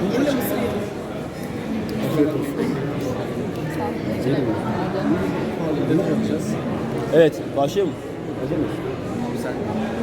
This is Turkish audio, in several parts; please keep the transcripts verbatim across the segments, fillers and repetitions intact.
Yeni de mısır yedim. Ne yapacağız? Evet, başlayalım. Hazır mısın? Sen.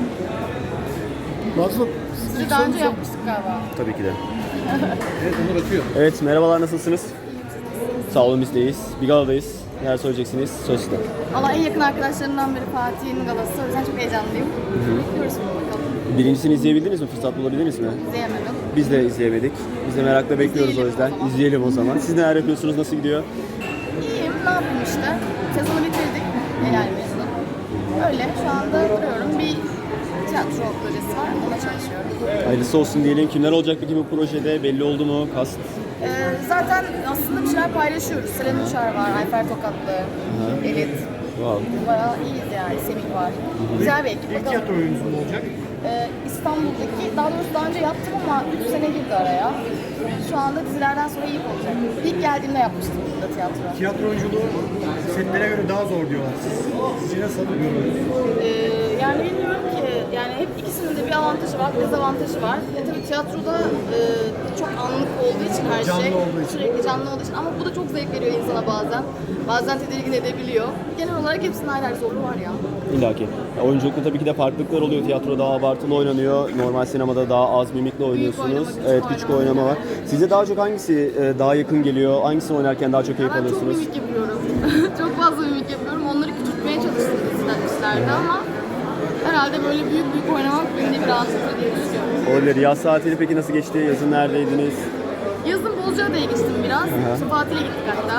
Nasıl? Sizi daha önce yapmıştık galiba. Tabii ki de. Evet, Onur atıyor. Evet, merhabalar, nasılsınız? Sağ olun, bizdeyiz. Bir galadayız. Neler söyleyeceksiniz? Söz sizde. Valla en yakın arkadaşlarımdan biri Fatih'in galası. O yüzden çok heyecanlıyım. Bekliyoruz bakalım. Birincisini izleyebildiniz mi? Fırsat bulabildiniz mi? İzleyemedim. Biz de izleyemedik. Biz de merakla bekliyoruz o İzleyelim yüzden. o zaman. İzleyelim o zaman. Siz neler yapıyorsunuz? Nasıl gidiyor? İyiyim, ne yapayım işte. Sezonu bitirdik. Yani mezunu. Öyle, şu anda duruyorum. Bir tiyatro projesi var, ona çalışıyorum. Hayırlısı olsun diyelim. Kimler olacak peki bu projede? Belli oldu mu? Kast? Ee, zaten aslında bir şeyler paylaşıyoruz. Selen Uçar var, Ayfer Tokatlı, Elit. Wow. Bayağı iyiyiz yani, Semih var. Güzel bir ekip. İlk Bakalım. tiyatro oyununuz mu olacak? Ee, İstanbul'daki, daha doğrusu daha önce yaptım ama üç sene girdi araya. Şu anda dizilerden sonra ilk olacak. İlk geldiğimde yapmıştım burada tiyatro. Tiyatro oyunculuğu setlere göre daha zor diyorlar. Siz, sizce nasıl görüyorsunuz? Ee, yani bilmiyorum ki, yani hep ikisinin de bir avantajı var, bir dezavantajı var. E tabii tiyatroda e, çok anlık olduğu için her Canlı şey, olduğu için. sürekli canlı olduğu için ama bu da çok zevk veriyor insana bazen. Bazen tedirgin edebiliyor. Genel olarak hepsinin ayrı ayrı zorluğu var ya. İlla ki. Ya, oyunculukta tabii ki de farklılıklar oluyor. Tiyatro daha abartılı oynanıyor. Normal sinemada daha az mimikle oynuyorsunuz. oynama, küçük Evet, küçük oynama. oynama var. Size daha çok hangisi e, daha yakın geliyor? Hangisini oynarken daha çok keyif Ben çok alıyorsunuz? mimik yapıyorum. çok fazla mimik yapıyorum. Onları küçültmeye çalıştım dizilerde ama herhalde böyle büyük büyük oynamak beni biraz rahatsız diye düşünüyorum. Olabilir. Yaz tatili peki nasıl geçti? Yazın neredeydiniz? Yazın Bozcaada'ya geçtim biraz. İşte tatile gittik hatta.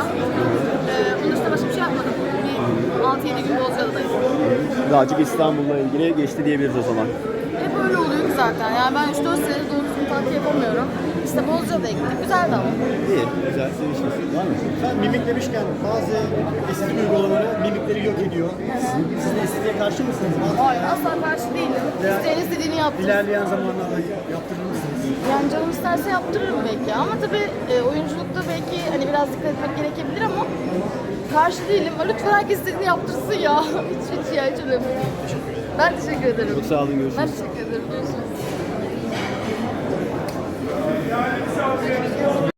Ee, onun dışında başka bir şey yapmadım. Bir altı yedi gün Bozcaada'dayız. Daha çok İstanbul'la ilgili geçti diyebiliriz o zaman. Hep öyle oluyor ki zaten. Yani ben üç dört senedir doğru düzgün tatil yapamıyorum. İşte Bozcaada'ya gittik. Güzeldi ama. İyi, güzel. Sevişmesi var mı? Sen mimik demişken bazı estetik uygulamaları mimikleri yok ediyor. Siz, siz de estetiğe karşı mısınız? Hayır, asla karşı değilim. İsteyen istediğini yaptırır. İlerleyen zamanlarda yaptırır mısınız? Yani canım isterse yaptırırım belki ama tabii e, oyunculukta belki hani biraz dikkat etmek gerekebilir ama karşı değilim. Lütfen herkes istediğini yaptırsın ya. hiç hiç ya hiç önemli değil. Ben teşekkür ederim. Çok sağ olun, görüşürüz. Ben teşekkür ederim. Görüşürüz.